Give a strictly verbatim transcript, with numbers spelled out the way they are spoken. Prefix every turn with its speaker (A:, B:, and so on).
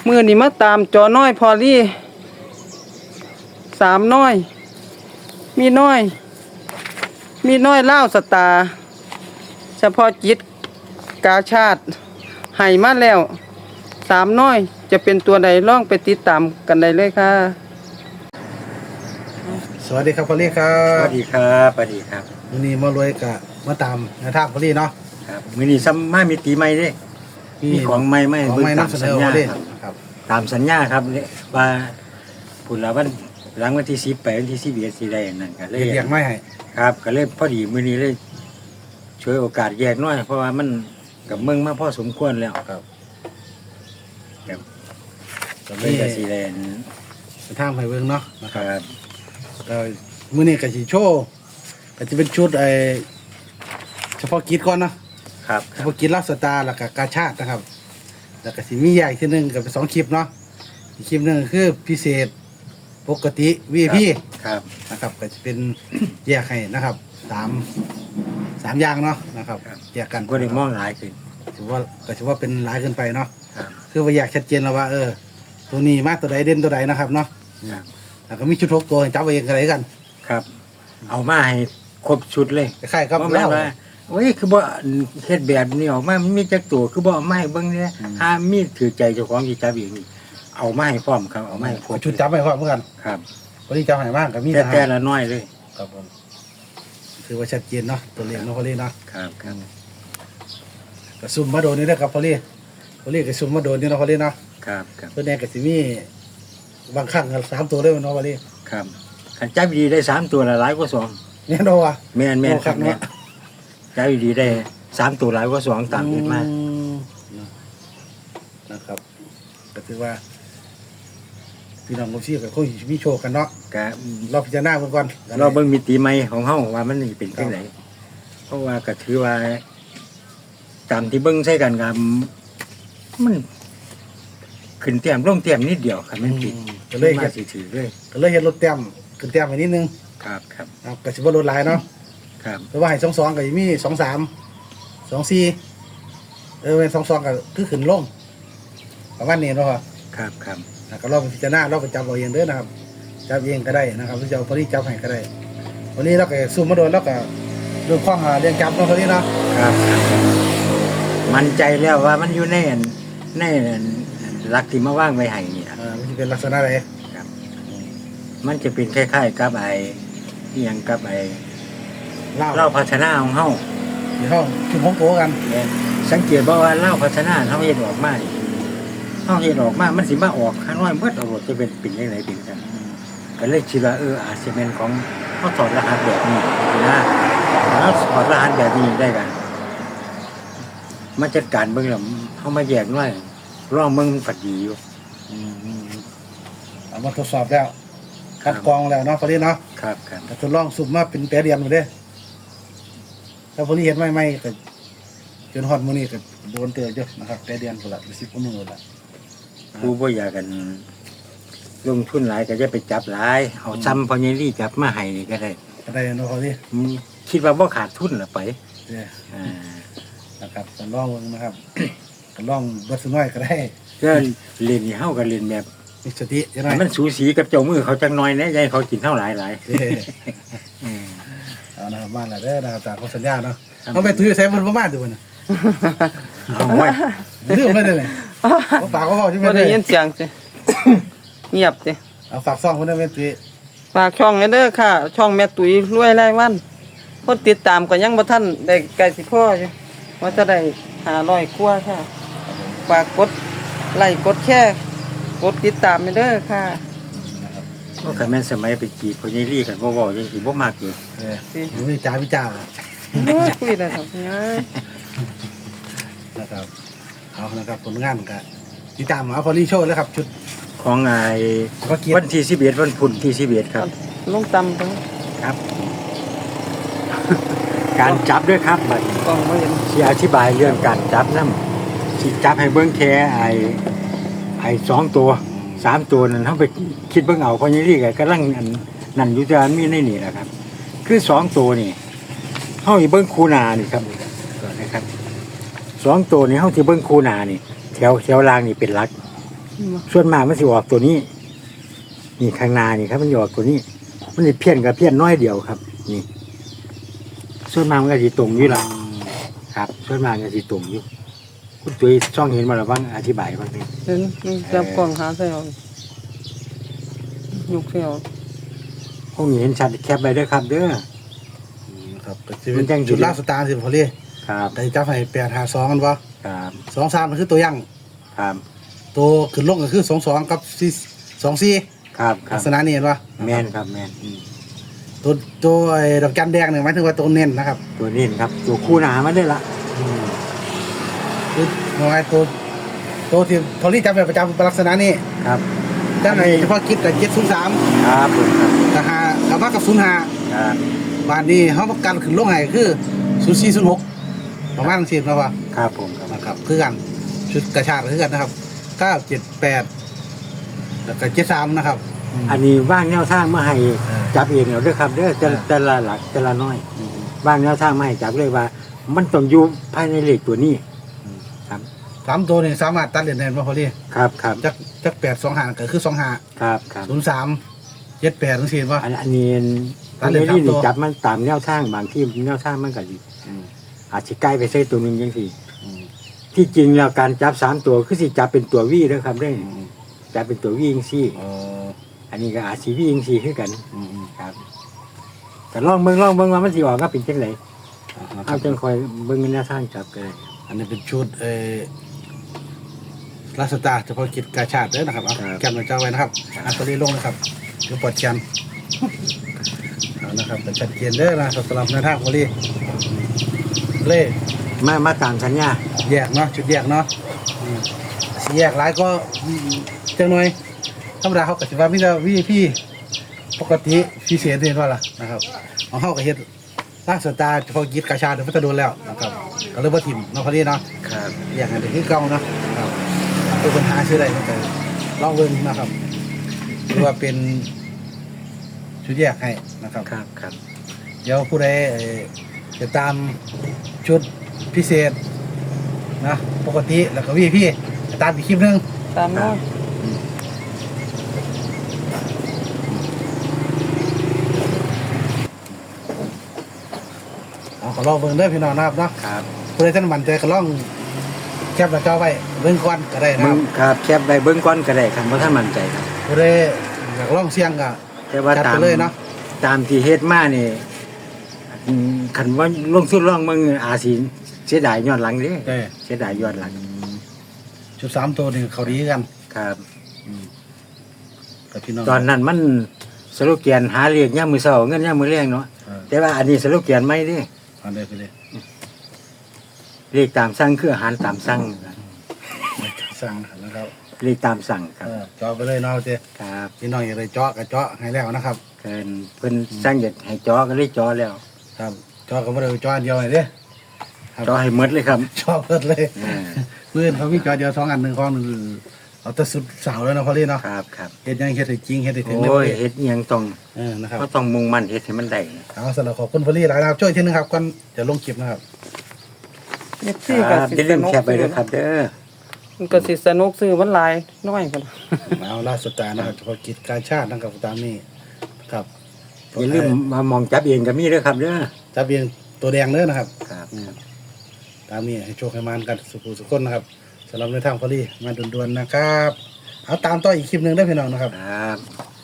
A: มือนี่มาตามจอน้อยพอลี่สามน้อยมีน้อยมีน้อยเล่าสตาร์เฉพาะจิตกาชาติให้มาแล้วสามน้อยจะเป็นตัวใดล่องไปติดตามกันได้เลยค่ะ
B: สวัสดีครับพอลี่ครั
C: บสวัสดีครับสวัสดีครับ
B: วันนี้มารวยกับมาตามในทางพอลี่เนาะ
C: ครับมื้อนี้ซ้ำมามีตีใหม่เด้มีของใหม่ใหม่
B: ของใหม่นำเสนอพอลี่ครับ
C: ตามสัญญาครับว่าพุ่นละวันหลังวันที่สิบไปวันที่สิบเอ็ดสิได้นั่นก็เลย
B: เรียกไม่ให้
C: ครับก็เลยพอดีมื้อนี้เลยช่วยโอกาสแยกน้อยเพราะว่ามันกับเมืองมาพอสมควรแล้วครับครับก็เลยก็สิได้
B: ในทางไผเบิ่งเนาะ
C: นะครับ
B: เอ่อมื้อนี้ก็สิโชว์ก็จะเป็นชุดไอ้เฉพาะกิจก่อนเนาะ
C: ครับ
B: เฉพาะกิจลักสตาร์แล้วก็กาชาตินะครับแล้วก็สิมีแยกอีกทีนึงก็เป็นสองคลิปเนาะอีกคลิปนึงคือพิเศษปกติ วี ไอ พี
C: ครับ
B: นะครับก็จะเป็นแยกให้นะครับสามสามอย่างเนาะนะครับแยกกัน
C: ก็ได้มองหลายขึ้น
B: ถือว่าก็ถือว่าเป็นหลายเกินไปเนาะ
C: ครับ
B: คือว่าอยากชัดเจนแล้วว่าเออตัวนี้มากตัวใดเด่นตัวใดนะครับเนาะแล้วก็มีชุดทกตัวจับเองกันอะไรกัน
C: ครับเอามาให้ครบชุดเลย
B: คล้ายๆครับ
C: แล้วโอ้ยคือบ่เฮ็ดแบบนี้ออกมามีจักตัวคือบ่เอามาให้เบิ่งเนี่ยถ้ามีถือใจเจ้าของสิจับเองนี่เอามาให้พร้อมครับเอามาให้ครบ
B: ชุดจับให้พร้อมเหมือนกัน
C: ครับ
B: วันนี้จับให้มากกับมี
C: แต่แต่ละน้อยเลย
B: ครับผมถือว่าชัดเจนเนาะตัวเลขเนาะพอลี่เนาะ
C: ครับครับ
B: ก็ซุ่มมาโดนนี่นะครับพอลี่พอลี่ก็ซุ่มมาโดนนี่เนาะพอลี่เนาะ
C: ครับครับ
B: ตัวแน่ก็สิมีบางครั้งก็สามตัวได้เนาะพอลี่
C: ครับคันจับดีได้สามตัวละหลายกว่าสอง
B: แน่นอนว่ะ
C: แม่นแม่นครับเนี่ยจับดีได้สามตัวหลายกว่าสองตามเห็นมา
B: นะครับก็ถือว่าพี่น้องผู้ชี้ก็คงมีโชคกันเนาะ
C: ก็
B: เราพิจารณาเบิ่งก่อน
C: เราเบิ่งมิติใหม่ของเฮาว่ามันเป็นจังได๋เพราะว่าก็ถือว่าตามที่เบิ่งใช้กันก็มันขึ้นเตียมลงเตียมนิดเดียวครับมันผิด
B: ก็เลย
C: มาสิถือเลย
B: ก็เลยเฮ็ดรถเตียมขึ้นเตียมไปนิดนึง
C: ครับครับ
B: ครับก็สิบ่ลดหลายเนาะ
C: ครับ
B: แต่ว่าให้สองสองก็สิมีสองสาม สองสี่เออเป็นสองสองก็คือขึ้นลงประมาณนี้เนาะ
C: ครับครับ
B: ก็ลองพิจารณาเราไปจับเอาเองเด้อนะครับจับเองก็ได้นะครับหรือจะเอาพอดีจับให้ก็ได้วันนี้เราก็ซูมมาโดนแล้วก็เรื่องข้องเรียนจับเนาะพอดีเนาะ
C: ครับมั่นใจแล้วว่ามันอยู่ในในหลักที่มาว่างไว้ให้นี่
B: อ่ามันจะเป็นลักษณะอะไร
C: ครับมันจะเป็นคล้ายๆกับไอ้ที่ยังกับไอ้เล่าพัฒนาของเฮา
B: เดี๋ยวเฮาชุมพงโตกัน
C: สังเกตบ่ว่าเล่าพัฒนาเฮาเฮ็ดออกมาเฮาเฮ็ดออกมามันสิมาออกข้างน้อยเบิดเอาจะเป็นเป็นจังได๋เป็นจังก็เลยคิดว่าเอออาจสิเป็นของเฮาถอดรหัสแบบนี้นะแล้วถอดรหัสแบบนี้ได้กันมาจัดการเบิ่งแล้วเฮามาแยกน้อยลองเบิ่งมันฝัดดีอยู่
B: อืมเอามาทดสอบแล้วคัดกรองแล้วเนาะพอดีเนาะ
C: ครับครับ
B: ทดลองสุ่มมาเป็นแปรเดียนอยู่เด้ถ้าพอดีเห็นใหม่ๆก็จนฮอดมื้อนี้ก็โดนเตือนอยู่นะครับแปรเดียนพุ่นละสิบกว่ามื้อละ
C: ผู้บ่อยากกันลงทุนหลายก็จะไปจับหลายเอาซ้ำพอใหญ่ลี่จับมาให้นี่ก็ได้
B: ก็ได้เนาะพอดี
C: คิดว่าบ่ขาดทุนล่ะไป
B: เด้ออ่านะครับก็ลองนะครับก็ลองเบิดซะน้อยก็ได้
C: ก็เล่นนี่เฮาก็เล่นแบบ
B: มีสติจังได๋
C: มันสูสีกับเจ้ามือเขาจังน้อยแน่ยายเขากินเท่าหลายหลาย
B: เออเอานะครับมาแล้วเด้อนะครับตามข้อสัญญาเนาะเอาไปถือใส่มันบ่มาดูน่ะ
C: เอาไว้
B: ลืมไปได้เลยบ่ฝากเขาเว้าจังได๋
A: บ่ได้ยินเสียงสิเงียบสิ
B: เอาฝากซ่องเพิ่นได้แม่ตุ้ย
A: ฝากช่องเด้อค่ะช่องแม่ตุ้ยรวยรายวันคนติดตามก็ยังบ่ทันได้ใกล้สิพออยู่ว่าจะได้ห้าร้อยกว่าค่ะฝากกดไลค์กดแชร์กดติดตามเด้อค่ะ
C: ก็คันแม่นสมัยไปจีบพอใหญ่ลี่กันบ่เว้าจังสิบ่มักอยู่
B: เออสิมีจ่าวิจารณ์
A: โอ้ยคุยได้ครับยาย
B: นะครับเอานะครับผลงานก็ติดตามเอาพอลี่โชว์แล้วครับชุด
C: ของไอ้วันที่สิบเอ็ดวันพุธที่สิบเอ็ดครับ
A: ลงตำ
C: ครับการจับด้วยครับบัด
A: กล้องบ่เห็น
C: สิอธิบายเรื่องการจับนำสิจับให้เบิ่งแค่ไอ้ไอ้สองตัวสามตัวนั้นเฮาไปคิดเบิ่งเอาพอใหญ่ลี่ก็กำลังนั่นอยู่จะมีในนี่แหละครับคือสองตัวนี่เฮาสิเบิ่งคูนานี่ครับก่อนนะครับสองตัวนี่เฮาสิเบิ่งคูนานี่แถวแถวล่างนี่เป็นหลักส่วนมากมันสิออกตัวนี้ นี่ข้างหน้านี่ครับมันสิออกตัวนี้ มันสิเพี้ยนกับเพี้ยนน้อยเดียวครับ นี่ ส่วนมากมันก็สิตรงอยู่ล่ะครับ ส่วนมากก็สิตรงอยู่คุณตุ้ยช่องเห็นมาแล้วบ้างอธิบายบ้างนี่
A: เห็นนี่จับกล่องหาใส่เอายกใส่เอา
C: พวกนี้เห็นชัดแคปไปด้วยครับ เด้อ
B: ครับก็จะเป็นชุดล่าสตาร์สิพอลี่
C: ครับ
B: แต่จับให้แปดหาสองกันวะ
C: ครับ
B: สองสามมันคือตัวยั่ง
C: ครับ
B: ตัวขึ้นลงก็คือสองสองกับสี่สองสี่
C: ครับครั
B: ลั
C: บ
B: กษณะนี้เห็นปะ
C: แม่นครับแม่น
B: ตัวตัวไอ้ดอกจันแดงเนี่ยหมายถึงว่าตัวเน้นนะครับ
C: ตัวนี้ครับ ตัวคู่หนามันได้ละ
B: คือว่าไงตัวตัวที่พอลี่จับแบบประจำลักษณะนี้
C: ครับ
B: จังไงเฉพาะกิจกับเจ็ดศูนย์สาม
C: ครับผมครับ
B: กับหากับมากับศูนย์ห้า
C: ครับ
B: บานนี้เขาประกันขึ้นลงให้คือศูนย์สี่ศูนย์หกประมาณสี่นะวะ
C: ครับผมครับ
B: นะครับคือกันชุดกระชากคือกันนะครับเก้าเจ็ดแปดแล้วก็เจ็ดสามนะครับ
C: อันนี้ว่างแนวทางมาให้
B: อ่า
C: จับเองเอาเด้อครับเด้อแต่
B: อ่า
C: แต่ละหลักแต่ละน้อยว่างแนวทางมาให้จับเลยว่า มันต้องอยู่ภายในเลขตัวนี้ ครับ
B: สามตัวนี่สามารถตัดเหรียญแทนมาพอลี่
C: ครับครับ
B: จักจักแปดสองหาก็คือสองหา
C: ครับครับ
B: ศูนย์สามเจ็ดแปดทั้งสี่ว่า
C: อันอันนี้
B: ตั
C: อั
B: ด
C: น
B: เลข
C: นี้
B: สามตัว
C: นี่จับมันตามแนวทางบางที่แนวทางมันก็ดีอาจจะใกล้ไปใส่ตัวหนึ่งยังสี่ที่จริงแล้วการจับสามตัวคือสิจับเป็นตัววี่เด้อครับเด้อจับเป็นตัววี่ยังสี่
B: เออ
C: อันนี้ก็อาจสิวี่ยังสี่คือกัน
B: อืมอืม
C: ครับแต่ลองเบิ่งลองเบิ่งว่ามันสิออกก็เป็นจังได
B: นะค
C: เอา
B: รับ
C: จังคอยเบิ่งแนวทางจับก็ได้
B: อันนี้เป็นชุดเออลาสตาร์เฉพาะกิจกาชาติเด้อนะครับเอาแกนมาเจ้าไว้นะครับอันตัวนี้ลงนะครับเดี๋ยวปลดแกนเอานะครับเป็นชัดเจนเด้อนะครับสำหรับในทางพอลี่เล่
C: มามาตามสัญญา
B: แยกเนาะชุดแยกเนาะอืมสีแยกหลายก็อืมจังหน่อยธรรมดาเขาก็สิว่ามีแต่วีพี่ปกติพิเศษเห็นว่าล่ะนะครับเอาเข้ากับเฮ็ดร่างสตาร์เฉพาะกิจกาชาติเดี๋ยวพัฒโดนแล้วนะครับก็เลยว่าถิ่มเนาะพอดีเนาะ
C: ครับ
B: แยกกันเป็นที่เก่าเนาะครับตัวปัญหาชื่ออะไรก็ลองเบิ่งนะครับหรือว่าเป็นชุดแยกให้นะครับ
C: ครับครับ
B: เดี๋ยวผู้ใดเอ่อจะตามชุดพิเศษนะปกติแล้วก็วีพี่ตามอีกคลิปหนึง
A: ตามน้อย
B: เอาก็ลองเบิ่งเด้อพี่น้องนะครับเนาะ
C: ครับ
B: ผู้ใดท่านมั่นใจก็ลองแคปหน้าจอไว้เบิ่งก่อนก็ได้นะค
C: เบิ่
B: รับ
C: งครับแคปไปเบิ่งก่อนก็ได้ครับบ่ทันมั่นใจครับ
B: ผู้ใดอยากลองเสี่ยงก็
C: แต่ว่า
B: จัด
C: ตา
B: ไป
C: ม
B: เลยเนาะ
C: ตามที่เฮ็ดมานี่อืมคันว่าลงสุดลองมึงอาจสิเสียดายย้อนหลังเด้
B: เด้อ
C: เสียดายย้อนหลัง
B: ชุดสามตัวนี่เขาดีกัน
C: ครับ
B: กับพี่น้อง
C: ตอนนั้นมันสโลแกนหาเรียกยามมื้อเช้าเงินยามมื้อแลงเนาะ
B: เออ
C: แต่ว่าอันนี้สโลแกนใหม่เด้
B: อันเด้อไปเลย
C: เรียกตามสั่งคืออาหารตามสั่ง
B: สั่งนะครับ
C: เรียกตามสั่งครั
B: เอบ อเจาะไปเลยเนาะเจ้
C: ครับ
B: พี่น้องอยากได้เจาะก็เจาะให้แล้วนะครับ
C: เพิ่นเพิ่นสั่งอยากให้จอก็เลยจอแล้ว
B: ครับเจาะก็บ่ได้เจาะอันเดียวให้เด้ครับ
C: จอให้หมดเลยครับ
B: เจาะเพิ่นเลย
C: อ่า
B: เพื่อนเขามีเจาะเดียวสองอันหนึ่งของหนึ่งเอาแต่สุดเสาแล้วเนาะพอลี่เนาะ
C: ครับครับ
B: เฮ็ดหยังเฮ็ดให้จริงเฮ็ดให้ถึงเด้
C: โอ้ย
B: อ
C: เฮ็ดอิหยังต้อง
B: เออนะครับ
C: ก็ต้องมุ่งมั่นเฮ็ดให้มันได้
B: เอาสำหรับขอบคุณพอลี่หลายนะครับช่วยทีนึงครับก่อนจะลงคลิปนะครับ
A: เอฟ
C: ค
A: ซี
C: รั
A: ก็
C: บ
A: สิ
C: อย่าลื
A: ส
C: ม
A: นุก
C: แคปไปด้วยครับเด้อ
A: มันก็สิสนุกซื้อมันหลายน้อยกัน
B: เอาล่าสุดตานะครับเฉพาะกิจการชาตินะครับตามนี้ครับ
C: อย่าลืมมามองจับเองก็มีเด้อครับเด้อ
B: จับเบียงตัวแดงเด้อนะครับ
C: ครับ
B: ตามนี้ให้โชคให้มานกันสุขุสุขคนนะครับสำหรับในทางพอลี่มาด่วนๆนะครับ เอาตามต่ออีกคลิปหนึ่งได้อพี่น้องนะครับ
C: ครับ